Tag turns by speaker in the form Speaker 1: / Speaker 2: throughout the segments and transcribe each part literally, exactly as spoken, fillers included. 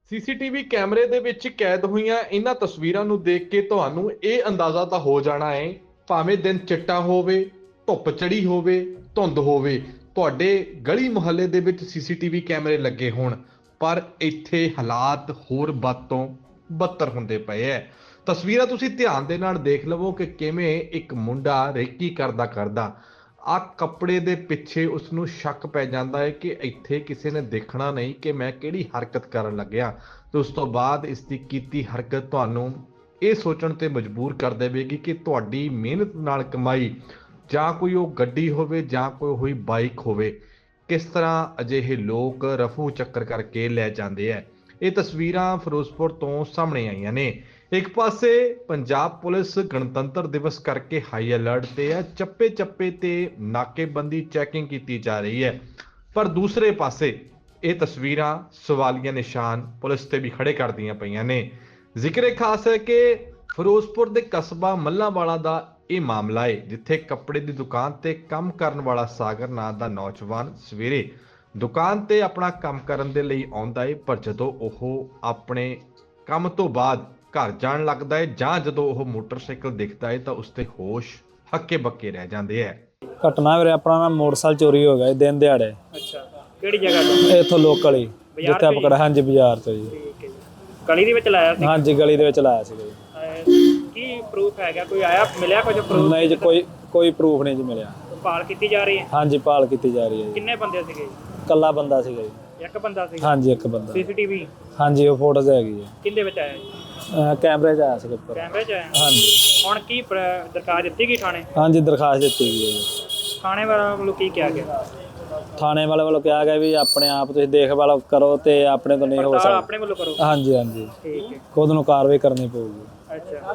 Speaker 1: CCTV ਕੈਮਰੇ ਦੇ ਵਿੱਚ ਕੈਦ ਹੋਈਆਂ ਇਹਨਾਂ ਤਸਵੀਰਾਂ ਨੂੰ ਦੇਖ ਕੇ ਤੁਹਾਨੂੰ ਇਹ ਅੰਦਾਜ਼ਾ ਤਾਂ ਹੋ ਜਾਣਾ ਹੈ, ਭਾਵੇਂ ਦਿਨ ਚਿੱਟਾ ਹੋਵੇ, ਧੁੱਪ ਚੜੀ ਹੋਵੇ, ਧੁੰਦ ਹੋਵੇ, ਤੁਹਾਡੇ ਗਲੀ ਮੁਹੱਲੇ ਦੇ ਵਿੱਚ ਸੀਸੀਟੀਵੀ ਕੈਮਰੇ ਲੱਗੇ ਹੋਣ, ਪਰ ਇੱਥੇ ਹਾਲਾਤ ਹੋਰ ਵੱਧ ਤੋਂ ਬੱਤਰ ਹੁੰਦੇ ਪਏ ਐ। ਤਸਵੀਰਾਂ ਤੁਸੀਂ ਧਿਆਨ ਦੇ ਨਾਲ ਦੇਖ ਲਵੋ ਕਿ ਕਿਵੇਂ ਇੱਕ ਮੁੰਡਾ ਰੇਕੀ ਕਰਦਾ ਕਰਦਾ ਆ ਕੱਪੜੇ ਦੇ ਪਿੱਛੇ ਉਸ ਨੂੰ ਸ਼ੱਕ ਪੈ ਜਾਂਦਾ ਹੈ ਕਿ ਇੱਥੇ ਕਿਸੇ ਨੇ ਦੇਖਣਾ ਨਹੀਂ ਕਿ ਮੈਂ ਕਿਹੜੀ ਹਰਕਤ ਕਰਨ ਲੱਗਿਆ, ਤੇ ਉਸ ਤੋਂ ਬਾਅਦ ਇਸ ਦੀ ਕੀਤੀ ਹਰਕਤ ਤੁਹਾਨੂੰ ਇਹ ਸੋਚਣ ਤੇ ਮਜਬੂਰ ਕਰ ਦੇਵੇਗੀ ਕਿ ਤੁਹਾਡੀ ਮਿਹਨਤ ਨਾਲ ਕਮਾਈ ਜਾਂ ਕੋਈ ਉਹ ਗੱਡੀ ਹੋਵੇ ਜਾਂ ਕੋਈ ਹੋਈ ਬਾਈਕ ਹੋਵੇ, ਕਿਸ ਤਰ੍ਹਾਂ ਅਜਿਹੇ ਲੋਕ ਰਫੂ ਚੱਕਰ ਕਰਕੇ ਲੈ ਜਾਂਦੇ ਆ। ਇਹ ਤਸਵੀਰਾਂ ਫਿਰੋਜ਼ਪੁਰ ਤੋਂ ਸਾਹਮਣੇ ਆਈਆਂ ਨੇ। ਇੱਕ ਪਾਸੇ ਪੰਜਾਬ ਪੁਲਿਸ ਗਣਤੰਤਰ ਦਿਵਸ ਕਰਕੇ ਹਾਈ ਅਲਰਟ ਤੇ ਹੈ, ਚੱਪੇ ਚੱਪੇ ਤੇ ਨਾਕੇਬੰਦੀ ਚੈਕਿੰਗ ਕੀਤੀ ਜਾ ਰਹੀ ਹੈ, ਪਰ ਦੂਸਰੇ ਪਾਸੇ ਇਹ ਤਸਵੀਰਾਂ ਸਵਾਲੀਆ ਨਿਸ਼ਾਨ ਪੁਲਿਸ ਤੇ ਵੀ ਖੜੇ ਕਰਦੀਆਂ ਪਈਆਂ ਨੇ। ਜ਼ਿਕਰ ਖਾਸ ਹੈ ਕਿ ਫਿਰੋਜ਼ਪੁਰ ਦੇ ਕਸਬਾ ਮੱਲਾਂਵਾਲਾ ਦਾ ਇਹ ਮਾਮਲਾ ਹੈ, ਜਿੱਥੇ ਕੱਪੜੇ ਦੀ ਦੁਕਾਨ ਤੇ ਕੰਮ ਕਰਨ ਵਾਲਾ ਸਾਗਰ ਨਾਂ ਦਾ ਨੌਜਵਾਨ ਸਵੇਰੇ ਦੁਕਾਨ ਤੇ ਆਪਣਾ ਕੰਮ ਕਰਨ ਦੇ ਲਈ ਆਉਂਦਾ ਹੈ, ਪਰ ਜਦੋਂ ਉਹ ਆਪਣੇ ਕੰਮ ਤੋਂ ਬਾਅਦ ਘਰ ਜਾਣ ਲੱਗਦਾ ਹੈ ਜਾਂ ਜਦੋਂ ਉਹ ਮੋਟਰਸਾਈਕਲ ਦਿਖਦਾ ਹੈ ਤਾਂ ਉਸ ਤੇ ਹੋਸ਼ ਹੱਕੇ ਬੱਕੇ ਰਹਿ ਜਾਂਦੇ ਹੈ।
Speaker 2: ਘਟਨਾ ਵੀਰੇ ਆਪਣਾ ਨਾ ਮੋਟਰਸਾਈਕਲ ਚੋਰੀ ਹੋ ਗਿਆ ਦਿਨ ਦਿਹਾੜੇ।
Speaker 3: ਅੱਛਾ, ਕਿਹੜੀ ਜਗ੍ਹਾ ਤੋਂ?
Speaker 2: ਇੱਥੋਂ ਲੋਕਲ ਹੀ, ਜਿੱਥੇ ਆਪਾਂ ਕਿਹੜਾ, ਹਾਂਜੀ ਬਾਜ਼ਾਰ ਤੋਂ ਜੀ।
Speaker 3: ਠੀਕ ਹੈ ਜੀ। ਗਲੀ ਦੇ ਵਿੱਚ ਲਾਇਆ ਸੀ?
Speaker 2: ਹਾਂਜੀ ਗਲੀ ਦੇ ਵਿੱਚ ਲਾਇਆ ਸੀਗਾ
Speaker 3: ਜੀ। ਕੀ ਪ੍ਰੂਫ ਹੈਗਾ? ਕੋਈ ਆਇਆ ਮਿਲਿਆ ਕੁਝ ਪ੍ਰੂਫ?
Speaker 2: ਨਹੀਂ ਜੀ, ਕੋਈ ਕੋਈ ਪ੍ਰੂਫ ਨਹੀਂ ਜੀ ਮਿਲਿਆ।
Speaker 3: ਭਾਲ ਕੀਤੀ ਜਾ ਰਹੀ ਹੈ?
Speaker 2: ਹਾਂਜੀ ਭਾਲ ਕੀਤੀ ਜਾ ਰਹੀ ਹੈ ਜੀ।
Speaker 3: ਕਿੰਨੇ ਬੰਦੇ ਸੀਗੇ?
Speaker 2: ਇਕੱਲਾ ਬੰਦਾ ਸੀਗਾ ਜੀ।
Speaker 3: ਇੱਕ ਬੰਦਾ ਸੀ?
Speaker 2: ਹਾਂਜੀ ਇੱਕ ਬੰਦਾ।
Speaker 3: ਸੀਸੀਟੀਵੀ?
Speaker 2: ਹਾਂਜੀ ਉਹ ਫੋਟੋਜ਼ ਹੈਗੀ ਹੈ।
Speaker 3: ਕਿੰਦੇ ਵਿੱਚ ਆਇਆ ਜੀ?
Speaker 2: ਕੈਮਰੇ 'ਚ ਆਇਆ ਸੀਗਾ ਉੱਪਰ।
Speaker 3: ਕੈਮਰੇ 'ਚ ਆਇਆ?
Speaker 2: ਹਾਂਜੀ।
Speaker 3: ਹੁਣ ਕੀ ਪ੍ਰ- ਦਰਖਾਸਤ ਦਿੱਤੀ ਗਈ ਥਾਣੇ?
Speaker 2: ਹਾਂਜੀ ਦਰਖਾਸਤ ਦਿੱਤੀ ਗਈ ਹੈ ਜੀ।
Speaker 3: ਥਾਣੇ ਵਾਲਿਆਂ ਵੱਲੋਂ ਕੀ ਕਿਹਾ ਗਿਆ?
Speaker 2: ਥਾਣੇ ਵਾਲੇ ਵੱਲੋਂ ਕਿਹਾ ਗਿਆ ਵੀ ਆਪਣੇ ਆਪ ਤੁਸੀਂ ਦੇਖਭਾਲ ਕਰੋ ਤੇ ਆਪਣੇ ਤੋਂ ਨਹੀਂ ਹੋ
Speaker 3: ਪੜਤਾਲ
Speaker 2: ਸਕਦਾ।
Speaker 3: ਆਪਣੇ ਵੱਲੋਂ ਕਰੋ?
Speaker 2: ਹਾਂਜੀ ਹਾਂਜੀ,
Speaker 3: ਠੀਕ ਹੈ।
Speaker 2: ਖੁਦ ਨੂੰ ਕਾਰਵਾਈ ਕਰਨੀ ਪਊਗੀ।
Speaker 3: ਅੱਛਾ,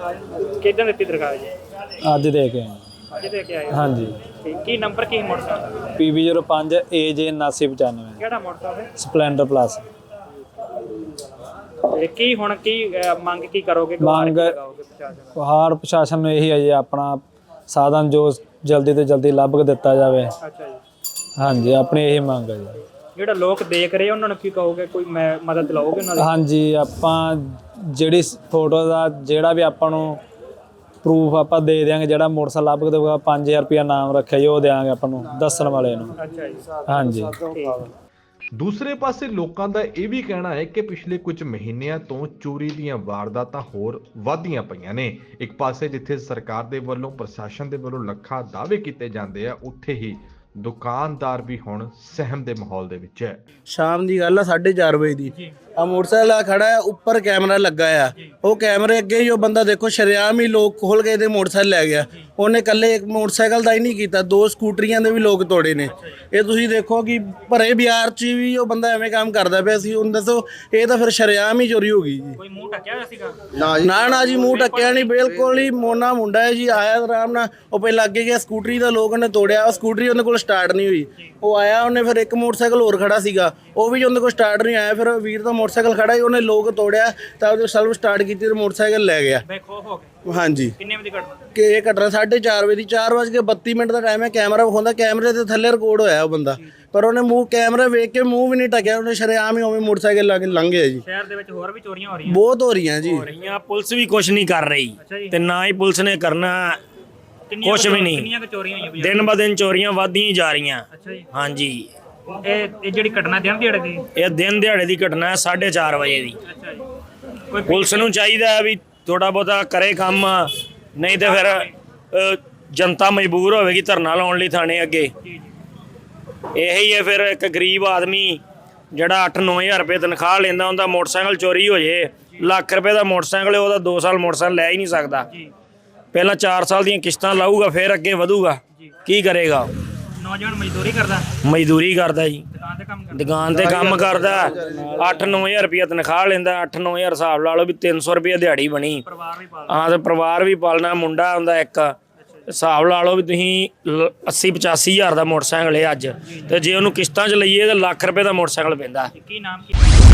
Speaker 3: ਕਿੱਦਾਂ ਦਿੱਤੀ ਦਰਖਾਸਤ ਜੀ?
Speaker 2: ਅੱਜ ਦੇ ਕੇ ਆਏ।
Speaker 3: ਅੱਜ ਦੇ ਕੇ ਆਏ?
Speaker 2: ਹਾਂਜੀ।
Speaker 3: ਠੀਕ। ਕੀ ਨੰਬਰ ਕੀ ਮੋਟਰਸਾਈਕਲ?
Speaker 2: ਪੀ ਬੀ ਜ਼ੀਰੋ ਪੰਜ ਏ ਜੇ ਉਨਾਸੀ ਪਚਾਨਵੇਂ।
Speaker 3: ਕਿਹੜਾ ਮੋਟਰਸਾਈਕਲ?
Speaker 2: Splendor plus.
Speaker 3: ਤੇ ਕੀ ਹੁਣ ਕੀ ਅਹ, ਮੰਗ ਕੀ ਕਰੋਗੇ?
Speaker 2: ਮੰਗ
Speaker 3: ਲਗਾਓਗੇ ਪ੍ਰਸ਼ਾਸਨ?
Speaker 2: ਹਾਰ ਪ੍ਰਸ਼ਾਸਨ ਨੂੰ ਇਹੀ ਹੈ ਜੀ, ਆਪਣਾ ਸਾਧਨ ਜੋ ਜਲਦੀ ਤੋਂ ਜਲਦੀ ਲੱਭ ਕੇ ਦਿੱਤਾ ਜਾਵੇ।
Speaker 3: ਅੱਛਾ ਜੀ।
Speaker 2: ਹਾਂਜੀ ਆਪਣੀ ਇਹੀ ਮੰਗ ਹੈ ਜੀ।
Speaker 3: ਜਿਹੜਾ ਲੋਕ ਦੇਖ ਰਹੇ ਉਹਨਾਂ ਨੂੰ ਕੀ ਕਹੋਗੇ? ਕੋਈ ਮੈਂ ਮਦਦ ਲਓਗੇ ਉਹਨਾਂ ਦੀ?
Speaker 2: ਹਾਂਜੀ ਆਪਾਂ ਜਿਹੜੀ ਫੋਟੋ ਦਾ ਜਿਹੜਾ ਵੀ ਆਪਾਂ ਨੂੰ ਪ੍ਰੂਫ ਆਪਾਂ ਦੇ ਦਿਆਂਗੇ, ਜਿਹੜਾ ਮੋਟਰਸਾਈਕਲ ਲੱਭ ਕੇ ਦੇਊਗਾ ਪੰਜ ਹਜ਼ਾਰ ਰੁਪਇਆ ਨਾਮ ਰੱਖਿਆ ਜੀ, ਉਹ ਦਿਆਂਗੇ ਆਪਾਂ ਨੂੰ ਦੱਸਣ ਵਾਲੇ ਨੂੰ।
Speaker 3: ਅੱਛਾ ਜੀ।
Speaker 2: ਹਾਂਜੀ।
Speaker 1: ਦੂਸਰੇ ਪਾਸੇ ਲੋਕਾਂ ਦਾ ਇਹ ਵੀ ਕਹਿਣਾ ਹੈ ਕਿ ਪਿਛਲੇ ਕੁਝ ਮਹੀਨਿਆਂ ਤੋਂ ਚੋਰੀ ਦੀਆਂ ਵਾਰਦਾਤਾਂ ਹੋਰ ਵਧਦੀਆਂ ਪਈਆਂ ਨੇ। ਇੱਕ ਪਾਸੇ ਜਿੱਥੇ ਸਰਕਾਰ ਦੇ ਵੱਲੋਂ, ਪ੍ਰਸ਼ਾਸਨ ਦੇ ਵੱਲੋਂ ਲੱਖਾਂ ਦਾਅਵੇ ਕੀਤੇ ਜਾਂਦੇ ਆ, ਉੱਥੇ ਹੀ ਦੁਕਾਨਦਾਰ ਵੀ ਹੁਣ ਸਹਿਮ ਦੇ ਮਾਹੌਲ ਦੇ ਵਿੱਚ ਹੈ।
Speaker 4: ਸ਼ਾਮ ਦੀ ਗੱਲ ਆ, ਸਾਢੇ ਚਾਰ ਵਜੇ ਦੀ। ਆ ਮੋਟਰਸਾਈਕਲ ਆ ਖੜਾ ਹੈ, ਉੱਪਰ ਕੈਮਰਾ ਲੱਗਾ ਆ। ਉਹ ਕੈਮਰੇ ਅੱਗੇ ਹੀ ਉਹ ਬੰਦਾ ਦੇਖੋ ਸ਼ਰੇਆਮ ਹੀ ਲੋਕ ਖੋਲ ਕੇ ਇਹਦੇ ਮੋਟਰਸਾਈਕਲ ਲੈ ਗਿਆ। ਉਹਨੇ ਇਕੱਲੇ ਇੱਕ ਮੋਟਰਸਾਈਕਲ ਦਾ ਹੀ ਨਹੀਂ ਕੀਤਾ, ਦੋ ਸਕੂਟਰੀਆਂ ਦੇ ਵੀ ਲੋਕ ਤੋੜੇ ਨੇ। ਇਹ ਤੁਸੀਂ ਦੇਖੋ ਕਿ ਭਰੇ ਬਾਜ਼ਾਰ 'ਚ ਵੀ ਉਹ ਬੰਦਾ ਐਵੇਂ ਕੰਮ ਕਰਦਾ ਪਿਆ ਸੀ। ਹੁਣ ਦੱਸੋ, ਇਹ ਤਾਂ ਫਿਰ ਸ਼ਰੇਆਮ ਹੀ ਚੋਰੀ ਹੋ ਗਈ ਜੀ।
Speaker 3: ਕੋਈ ਮੂੰਹ ਢੱਕਿਆ ਹੋਇਆ ਸੀਗਾ?
Speaker 4: ਨਾ ਨਾ ਜੀ, ਮੂੰਹ ਢੱਕਿਆ ਨਹੀਂ, ਬਿਲਕੁਲ ਹੀ ਮੋਨਾ ਮੁੰਡਾ ਹੈ ਜੀ। ਆਇਆ ਆਰਾਮ ਨਾਲ, ਉਹ ਪਹਿਲਾਂ ਅੱਗੇ ਗਿਆ, ਸਕੂਟਰੀ ਦਾ ਲੋਕ ਉਹਨੇ ਤੋੜਿਆ। ਉਹ ਸਕੂਟਰੀ ਉਹਦੇ ਕੋਲ ਸਟਾਰਟ ਨਹੀਂ ਹੋਈ। ਉਹ ਆਇਆ, ਉਹਨੇ ਫਿਰ ਇੱਕ ਮੋਟਰਸਾਈਕਲ ਹੋਰ ਖੜਾ ਸੀਗਾ, ਉਹ ਵੀ ਉਹਦੇ ਕੋਲ ਸਟਾਰਟ ਨਹੀਂ ਆਇਆ। ਫਿਰ ਵੀਰ ਦਾ ਮੋਟਰਸਾਈਕਲ ਖੜਾ ਹੀ, ਉਹਨੇ ਲੋਕ ਤੋੜਿਆ ਤਾਂ ਉਹਦੇ ਸੈਲਫ ਸਟਾਰਟ ਕੀਤੀ ਤੇ ਮੋਟਰਸਾਈਕਲ ਲੈ ਗਿਆ।
Speaker 3: ਬੇਖੌਫ ਹੋ ਗਏ?
Speaker 4: ਹਾਂਜੀ।
Speaker 3: ਕਿੰਨੇ ਵਜੇ ਘਟਨਾ?
Speaker 4: ਕਿ ਇਹ ਘਟਨਾ ਸਾਢੇ ਚਾਰ ਵਜੇ ਦੀ, ਚਾਰ ਵੱਜ ਕੇ ਬੱਤੀ ਮਿੰਟ ਦਾ ਟਾਈਮ ਹੈ। ਕੈਮਰਾ ਵਿਖਾਉਂਦਾ, ਕੈਮਰੇ ਦੇ ਥੱਲੇ ਰਿਕਾਰਡ ਹੋਇਆ ਉਹ ਬੰਦਾ, ਪਰ ਉਹਨੇ ਮੂੰਹ ਕੈਮਰਾ ਵੇਖ ਕੇ ਮੂੰਹ ਵੀ ਨਹੀਂ ਢੱਕਿਆ। ਉਹਨੇ ਸ਼ਰੇਆਮ ਹੀ ਉਵੇਂ ਮੋਟਰਸਾਈਕਲ ਲਾ ਕੇ ਲੰਘ ਗਿਆ ਜੀ।
Speaker 3: ਸ਼ਹਿਰ ਦੇ ਵਿੱਚ ਹੋਰ ਵੀ ਚੋਰੀਆਂ ਹੋ ਰਹੀਆਂ?
Speaker 4: ਬਹੁਤ ਹੋ ਰਹੀਆਂ ਜੀ।
Speaker 5: ਰਹੀਆਂ, ਪੁਲਿਸ ਵੀ ਕੁਝ ਨਹੀਂ ਕਰ ਰਹੀ ਤੇ ਨਾ ਹੀ ਪੁਲਿਸ ਨੇ ਕਰਨਾ ਕੁਝ ਵੀ ਨਹੀਂ।
Speaker 3: ਕਿੰਨੀਆਂ ਕੁ ਚੋਰੀਆਂ ਹੋਈਆਂ?
Speaker 5: ਦਿਨ ਬ ਦਿਨ ਚੋਰੀਆਂ ਵੱਧਦੀਆਂ ਜਾ ਰਹੀਆਂ।
Speaker 3: ਅੱਛਾ ਜੀ।
Speaker 5: ਹਾਂਜੀ।
Speaker 3: ਇਹ ਇਹ ਜਿਹੜੀ ਘਟਨਾ ਦਿਨ ਦਿਹਾੜੇ ਦੀ?
Speaker 5: ਇਹ ਦਿਨ ਦਿਹਾੜੇ ਦੀ ਘਟਨਾ ਹੈ, ਸਾਢੇ ਚਾਰ ਵਜੇ ਦੀ।
Speaker 3: ਅੱਛਾ ਜੀ। ਕੋਈ
Speaker 5: ਪੁਲਿਸ ਨੂੰ ਚਾਹੀਦਾ ਹੈ ਵੀ ਥੋੜਾ ਬਹੁਤਾ ਕਰੇ ਕੰਮ, ਨਹੀਂ ਤੇ ਫਿਰ ਅ, ਜਨਤਾ ਮਜਬੂਰ ਹੋਵੇਗੀ ਧਰਨਾ ਲਾਉਣ ਲਈ ਥਾਣੇ ਅੱਗੇ। ਇਹੀ ਹੈ ਫਿਰ ਇੱਕ ਗਰੀਬ ਆਦਮੀ ਜਿਹੜਾ ਅੱਠ ਨੌ ਹਜ਼ਾਰ ਰੁਪਏ ਤਨਖਾਹ ਲੈਂਦਾ, ਉਹਦਾ ਮੋਟਰਸਾਈਕਲ ਚੋਰੀ ਹੋ ਜੇ, ਲੱਖ ਰੁਪਏ ਦਾ ਮੋਟਰਸਾਈਕਲ, ਉਹਦਾ ਦੋ ਸਾਲ ਮੋਟਰਸਾਈਕਲ ਲੈ ਹੀ ਨਹੀਂ ਸਕਦਾ। ਪਹਿਲਾਂ ਚਾਰ ਸਾਲ ਦੀਆਂ ਕਿਸ਼ਤਾਂ ਲਾਊਗਾ, ਫਿਰ ਅੱਗੇ ਵਧੂਗਾ। ਕੀ ਕਰੇਗਾ?
Speaker 3: ਨੌਜਵਾਨ ਮਜ਼ਦੂਰੀ ਕਰਦਾ?
Speaker 5: ਮਜ਼ਦੂਰੀ ਕਰਦਾ ਜੀ,
Speaker 3: ਦੁਕਾਨ ਤੇ ਕੰਮ ਕਰਦਾ?
Speaker 5: ਦੁਕਾਨ ਤੇ ਕੰਮ ਕਰਦਾ। ਅੱਠ ਨੌ ਹਜ਼ਾਰ ਰੁਪਇਆ ਤਨਖਾਹ ਲੈਂਦਾ। ਅੱਠ ਨੌ ਹਜ਼ਾਰ ਹਿਸਾਬ ਲਾ ਲਓ ਵੀ ਤਿੰਨ ਸੌ ਰੁਪਇਆ ਦਿਹਾੜੀ ਬਣੀ।
Speaker 3: ਪਰਿਵਾਰ ਵੀ ਪਾਲਦਾ?
Speaker 5: ਹਾਂ, ਤੇ ਪਰਿਵਾਰ ਵੀ ਪਾਲਣਾ, ਮੁੰਡਾ ਹੁੰਦਾ ਇੱਕ। ਹਿਸਾਬ ਲਾ ਲਓ ਵੀ ਤੁਸੀਂ ਅੱਸੀ ਪਚਾਸੀ ਹਜ਼ਾਰ ਦਾ ਮੋਟਰਸਾਈਕਲ ਹੈ ਅੱਜ, ਤੇ ਜੇ ਉਹਨੂੰ ਕਿਸ਼ਤਾਂ 'ਚ ਲਈਏ ਤਾਂ ਲੱਖ ਰੁਪਏ ਦਾ ਮੋਟਰਸਾਈਕਲ ਪੈਂਦਾ।
Speaker 3: ਕੀ ਨਾਮ ਕੀ?